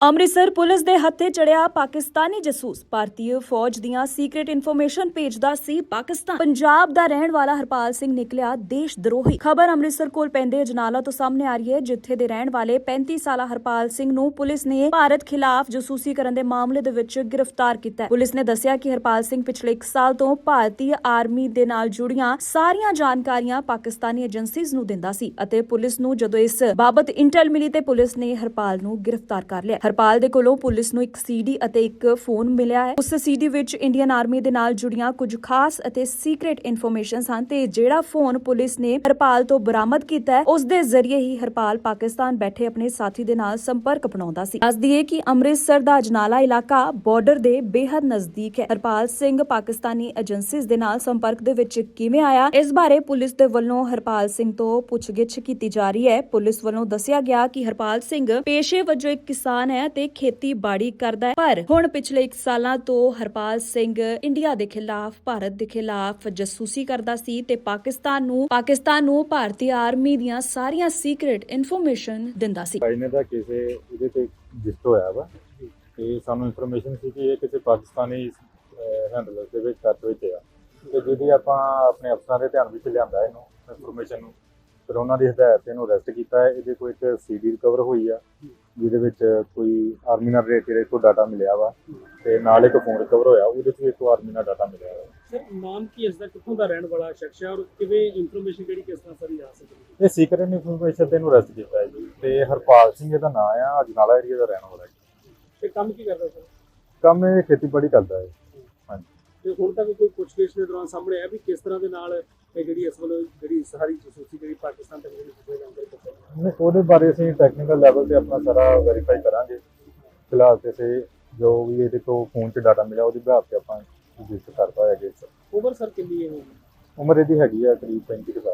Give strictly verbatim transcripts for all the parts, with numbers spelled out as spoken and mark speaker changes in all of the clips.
Speaker 1: Amritsar police ਦੇ ਹੱਥੇ ਚੜਿਆ ਪਾਕਿਸਤਾਨੀ ਜਾਸੂਸ ਭਾਰਤੀ ਫੌਜ ਦੀਆਂ ਸੀਕ੍ਰੀਟ ਇਨਫੋਰਮੇਸ਼ਨ ਭੇਜਦਾ ਸੀ ਪਾਕਿਸਤਾਨ। ਪੰਜਾਬ ਦਾ ਰਹਿਣ ਵਾਲਾ ਹਰਪਾਲ ਸਿੰਘ ਨਿਕਲਿਆ ਦੇਸ਼ ਦਰੋਹੀ। ਖਬਰ ਅੰਮ੍ਰਿਤਸਰ ਕੋਲ ਪੈਂਦੇ ਅਜਨਾਲਾ ਤੋਂ ਸਾਹਮਣੇ ਆ ਰਹੀ ਹੈ, ਜਿੱਥੇ ਦੇ ਰਹਿਣ ਵਾਲੇ ਪੈਂਤੀ ਸਾਲਾ ਹਰਪਾਲ ਸਿੰਘ ਨੂੰ ਪੁਲਿਸ ਨੇ ਭਾਰਤ ਖਿਲਾਫ ਜਾਸੂਸੀ ਕਰਨ ਦੇ ਮਾਮਲੇ ਦੇ ਵਿੱਚ ਗ੍ਰਿਫਤਾਰ ਕੀਤਾ ਹੈ। ਪੁਲਿਸ ਨੇ ਦੱਸਿਆ ਕਿ ਹਰਪਾਲ ਸਿੰਘ ਪਿਛਲੇ ਇੱਕ ਸਾਲ ਤੋਂ ਭਾਰਤੀ ਆਰਮੀ ਦੇ ਨਾਲ ਜੁੜੀਆਂ ਸਾਰੀਆਂ ਜਾਣਕਾਰੀਆਂ ਪਾਕਿਸਤਾਨੀ ਏਜੰਸੀਜ਼ ਨੂੰ ਦਿੰਦਾ ਸੀ ਅਤੇ ਪੁਲਿਸ ਨੂੰ ਜਦੋਂ ਇਸ ਬਾਬਤ ਇੰਟੈਲ ਮਿਲੀ ਤੇ ਪੁਲਿਸ ਨੇ ਹਰਪਾਲ ਨੂੰ ਗ੍ਰਿਫਤਾਰ ਕਰ ਲਿਆ। ਹਰਪਾਲ ਦੇ ਕੋਲੋਂ ਪੁਲਿਸ ਨੂੰ ਇੱਕ ਸੀਡੀ ਅਤੇ ਇੱਕ ਫੋਨ ਮਿਲਿਆ ਹੈ। ਉਸ ਸੀਡੀ ਵਿੱਚ ਇੰਡੀਅਨ ਆਰਮੀ ਦੇ ਨਾਲ ਜੁੜੀਆਂ ਕੁਝ ਖਾਸ ਅਤੇ ਸੀਕ੍ਰੀਟ ਇਨਫੋਰਮੇਸ਼ਨ ਹਨ ਤੇ ਜਿਹੜਾ ਫੋਨ ਪੁਲਿਸ ਨੇ ਹਰਪਾਲ ਤੋਂ ਬਰਾਮਦ ਕੀਤਾ ਹੈ, ਉਸ ਦੇ ਜ਼ਰੀਏ ਹੀ ਹਰਪਾਲ ਪਾਕਿਸਤਾਨ ਬੈਠੇ ਆਪਣੇ ਸਾਥੀ ਦੇ ਨਾਲ ਸੰਪਰਕ ਬਣਾਉਂਦਾ ਸੀ। ਦੱਸ ਦਈਏ ਕਿ ਅੰਮ੍ਰਿਤਸਰ ਦਾ ਅਜਨਾਲਾ ਇਲਾਕਾ ਬਾਰਡਰ ਦੇ ਬੇਹੱਦ ਨਜ਼ਦੀਕ ਹੈ। ਹਰਪਾਲ ਸਿੰਘ ਪਾਕਿਸਤਾਨੀ ਏਜੰਸੀਜ਼ ਦੇ ਨਾਲ ਸੰਪਰਕ ਦੇ ਵਿੱਚ ਕਿਵੇਂ ਆਇਆ, ਇਸ ਬਾਰੇ ਪੁਲਿਸ ਦੇ ਵੱਲੋਂ ਹਰਪਾਲ ਸਿੰਘ ਤੋਂ ਪੁੱਛਗਿੱਛ ਕੀਤੀ ਜਾ ਰਹੀ ਹੈ। ਪੁਲਿਸ ਵੱਲੋਂ ਦੱਸਿਆ ਗਿਆ ਕਿ ਹਰਪਾਲ ਸਿੰਘ ਪੇਸ਼ੇ ਵਜੋਂ ਇੱਕ ਕਿਸਾਨ ਹੈ ਤੇ ਖੇਤੀਬਾੜੀ ਕਰਦਾ ਹੈ, ਪਰ ਹੁਣ ਪਿਛਲੇ ਇੱਕ ਸਾਲਾਂ ਤੋਂ ਹਰਪਾਲ ਸਿੰਘ ਇੰਡੀਆ ਦੇ ਖਿਲਾਫ ਭਾਰਤ ਦੇ ਖਿਲਾਫ ਜਾਸੂਸੀ ਕਰਦਾ ਸੀ ਤੇ ਪਾਕਿਸਤਾਨ ਨੂੰ ਪਾਕਿਸਤਾਨ ਨੂੰ ਭਾਰਤੀ ਆਰਮੀ ਦੀਆਂ ਸਾਰੀਆਂ ਸੀਕ੍ਰੀਟ ਇਨਫੋਰਮੇਸ਼ਨ ਦਿੰਦਾ ਸੀ।
Speaker 2: ਇਹਨੇ ਦਾ ਕਿਸੇ ਇਹਦੇ ਤੇ ਰਜਿਸਟਰ ਹੋਇਆ ਵਾ ਤੇ ਸਾਨੂੰ ਇਨਫੋਰਮੇਸ਼ਨ ਸੀ ਕਿ ਇਹ ਕਿਸੇ ਪਾਕਿਸਤਾਨੀ ਹੈਂਡਲਰ ਦੇ ਵਿੱਚ ਟੱਚ ਵਿੱਚ ਆ ਤੇ ਜਿਹਦੀ ਆਪਾਂ ਆਪਣੇ ਅਫਸਰਾਂ ਦੇ ਧਿਆਨ ਵਿੱਚ ਲਿਆਂਦਾ ਇਹਨੂੰ ਇਨਫੋਰਮੇਸ਼ਨ ਨੂੰ, ਫਿਰ ਉਹਨਾਂ ਦੀ ਹਦਾਇਤ ਤੇ ਇਹਨੂੰ ਅਰੈਸਟ ਕੀਤਾ ਹੈ। ਇਹਦੇ ਕੋਲ ਇੱਕ ਸੀਡੀ ਰਿਕਵਰ ਹੋਈ ਆ ਜਿਹਦੇ ਵਿੱਚ ਕੋਈ ਆਰਮੀ ਨਾਲ ਰਿਲੇਟਡ ਕੋਈ ਡਾਟਾ ਮਿਲਿਆ ਵਾ ਤੇ ਨਾਲ ਇੱਕ ਫੋਨ ਰਿਕਵਰ ਹੋਇਆ, ਉਹਦੇ 'ਚ ਵੀ ਇੱਕ ਆਰਮੀ ਨਾਲ ਡਾਟਾ ਮਿਲਿਆ ਵਾ।
Speaker 3: ਸਰ ਨਾਮ ਕੀ ਇਸ ਦਾ, ਕਿੱਥੋਂ ਦਾ ਰਹਿਣ ਵਾਲਾ ਸ਼ਖਸ ਹੈ ਔਰ ਕਿਵੇਂ ਇਨਫੋਰਮੇਸ਼ਨ ਕਿਹੜੀ ਕਿਸ ਤਰ੍ਹਾਂ ਸਾਰੀ ਆ ਸਕਦੀ ਹੈ?
Speaker 2: ਇਹ ਸੀਕ੍ਰੀਟ ਇਨਫੋਰਮੇਸ਼ਨ ਤੇ ਇਹਨੂੰ ਅਰੈਸਟ ਕੀਤਾ ਹੈ ਜੀ ਤੇ ਹਰਪਾਲ ਸਿੰਘ ਇਹਦਾ ਨਾਮ ਆ, ਅਜਨਾਲਾ ਏਰੀਆ ਦਾ ਰਹਿਣ ਵਾਲਾ ਜੀ।
Speaker 3: ਤੇ ਕੰਮ ਕੀ ਕਰਦਾ ਸਰ?
Speaker 2: ਕੰਮ ਇਹ ਖੇਤੀਬਾੜੀ ਕਰਦਾ ਹੈ। ਹਾਂਜੀ।
Speaker 3: ਤੇ ਹੁਣ ਤੱਕ ਕੋਈ ਪੁੱਛਗਿੱਛ ਦੇ ਦੌਰਾਨ ਸਾਹਮਣੇ ਆਇਆ ਵੀ ਕਿਸ ਤਰ੍ਹਾਂ ਦੇ ਨਾਲ ਇਹ ਜਿਹੜੀ ਇਸ ਵੱਲੋਂ ਜਿਹੜੀ ਸਾਰੀ ਜਾਸੂਸੀ ਜਿਹੜੀ ਪਾਕਿਸਤਾਨ ਤੱਕ ਜਿਹੜੀ ਪੁੱਛੇ ਜਾਂਦੇ
Speaker 2: ਨਹੀਂ, ਉਹਦੇ ਬਾਰੇ ਅਸੀਂ ਟੈਕਨੀਕਲ ਲੈਵਲ ਤੇ ਆਪਣਾ ਸਾਰਾ ਵੈਰੀਫਾਈ ਕਰਾਂਗੇ। ਫਿਲਹਾਲ ਤੇ ਸੇ ਜੋ ਵੀ ਇਹਦੇ ਤੋਂ ਫੋਨ 'ਚ ਡਾਟਾ ਮਿਲਿਆ ਉਹਦੀ ਬਿਹਾਰ ਤੇ ਆਪਾਂ ਰਜਿਸਟਰ ਕਰਤਾ ਹੈ ਜੀ।
Speaker 3: ਉਮਰ ਸਰ ਕਿੰਨੀ ਹੈ?
Speaker 2: ਉਮਰ ਇਹਦੀ ਹੈਗੀ ਆ ਕਰੀਬ ਪੈਂਤੀ ਕੁ ਸਾਲ।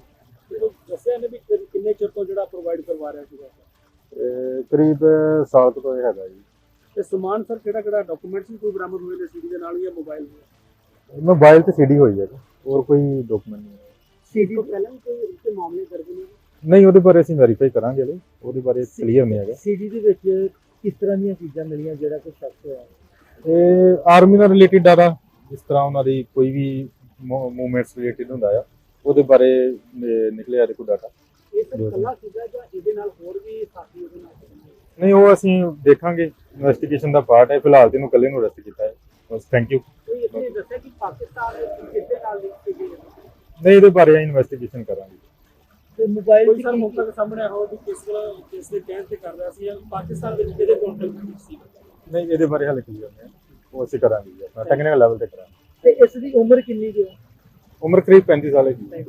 Speaker 3: ਤੇ ਉਹ ਦੱਸਿਆ ਨੇ ਵੀ ਕਿ- ਕਿੰਨੇ ਚਿਰ ਤੋਂ ਜਿਹੜਾ ਪ੍ਰੋਵਾਈਡ ਕਰਵਾ ਰਿਹਾ ਸੀਗਾ?
Speaker 2: ਤੇ ਕਰੀਬ ਸਾਲ ਕੁ ਤੋਂ ਇਹ ਹੈਗਾ ਜੀ।
Speaker 3: ਤੇ ਸਮਾਨ ਸਰ ਕਿਹੜਾ ਕਿਹੜਾ ਡਾਕੂਮੈਂਟਸ ਵੀ ਕੋਈ ਬਰਾਮਦ ਹੋਏ ਨੇ ਸੀਡੀ ਦੇ ਨਾਲ ਜਾਂ ਮੋਬਾਈਲ ਦੇ?
Speaker 2: ਮੋਬਾਈਲ ਤੇ ਸੀਡੀ ਹੋਈ ਹੈ ਜੀ, ਹੋਰ ਕੋਈ ਡਾਕੂਮੈਂਟ ਨਹੀਂ ਹੈ।
Speaker 3: ਸੀਡੀ ਤੋਂ ਪਹਿਲਾਂ ਵੀ ਕੋਈ ਇਸਦੇ ਮਾਮਲੇ ਦਰਜ ਨੇ?
Speaker 2: ਨਹੀਂ, ਉਹਦੇ ਬਾਰੇ ਅਸੀਂ ਵੈਰੀਫਾਈ ਕਰਾਂਗੇ, ਹਲੇ ਉਹਦੇ ਬਾਰੇ ਕਲੀਅਰ ਨਹੀਂ ਹੈਗਾ।
Speaker 3: ਸੀਡੀ ਦੇ ਵਿੱਚ ਕਿਸ ਤਰ੍ਹਾਂ ਦੀਆਂ ਚੀਜ਼ਾਂ ਮਿਲੀਆਂ ਜਿਹੜਾ ਕੋਈ ਸ਼ੱਕ ਹੋਇਆ?
Speaker 2: ਇਹ ਆਰਮੀ ਨਾਲ ਰਿਲੇਟਡ ਡਾਟਾ, ਜਿਸ ਤਰ੍ਹਾਂ ਉਹਨਾਂ ਦੀ ਕੋਈ ਵੀ ਮੂਵਮੈਂਟਸ ਰਿਲੇਟਡ ਹੁੰਦਾ ਆ, ਉਹਦੇ ਬਾਰੇ ਨਿਕਲਿਆ ਇਹਦੇ ਕੋਲ ਡਾਟਾ।
Speaker 3: ਇਹ ਸਰ ਇਕੱਲਾ ਸੀਗਾ ਜਾਂ ਇਹਦੇ ਨਾਲ ਹੋਰ ਵੀ ਸਾਥੀ ਉਹਦੇ ਨਾਲ?
Speaker 2: ਨਹੀਂ, ਉਹ ਅਸੀਂ ਦੇਖਾਂਗੇ, ਇਨਵੈਸਟੀਗੇਸ਼ਨ ਦਾ ਪਾਰਟ ਹੈ। ਫਿਲਹਾਲ ਤੇ ਇਹਨੂੰ ਇਕੱਲੇ ਨੂੰ ਅਰੈਸਟ ਕੀਤਾ ਹੈ ਬਸ। Thank you.
Speaker 3: ਕੋਈ ਇਸਨੇ ਦੱਸਿਆ ਕਿ ਪਾਕਿਸਤਾਨ ਕਿਸ ਦੇ ਨਾਲ ਲਿੰਕ ਸੀ?
Speaker 2: ਨਹੀਂ, ਇਹਦੇ ਬਾਰੇ ਇਨਵੈਸਟੀਗੇਸ਼ਨ ਕਰਾਂਗੇ।
Speaker 3: ਤੇ ਮੋਬਾਈਲ ਸਰ ਮੌਕਾ ਸਾਹਮਣੇ ਆਇਆ ਹੋ ਵੀ ਕਿਸ ਤਰ੍ਹਾਂ ਕਿਸ ਦੇ ਕਹਿਣ ਤੇ ਕਰ ਰਿਹਾ ਸੀ ਜਾਂ ਪਾਕਿਸਤਾਨ ਵਿੱਚ ਕਿਹਦੇ ਕੰਟੈਕਟ ਵਿੱਚ ਸੀ?
Speaker 2: ਨਹੀਂ, ਇਹਦੇ ਬਾਰੇ ਹਾਲੇ ਕਲੀਅਰ ਨਹੀਂ, ਉਹ ਅਸੀਂ ਕਰਾਂਗੇ ਜੀ, ਆਪਣਾ ਟੈਕਨੀਕਲ ਲੈਵਲ ਤੇ ਕਰਾਂਗੇ।
Speaker 3: ਤੇ ਇਸ ਦੀ ਉਮਰ ਕਿੰਨੀ ਹੈ?
Speaker 2: ਉਮਰ ਕਰੀਬ ਪੈਂਤੀ ਸਾਲ ਹੈ ਜੀ।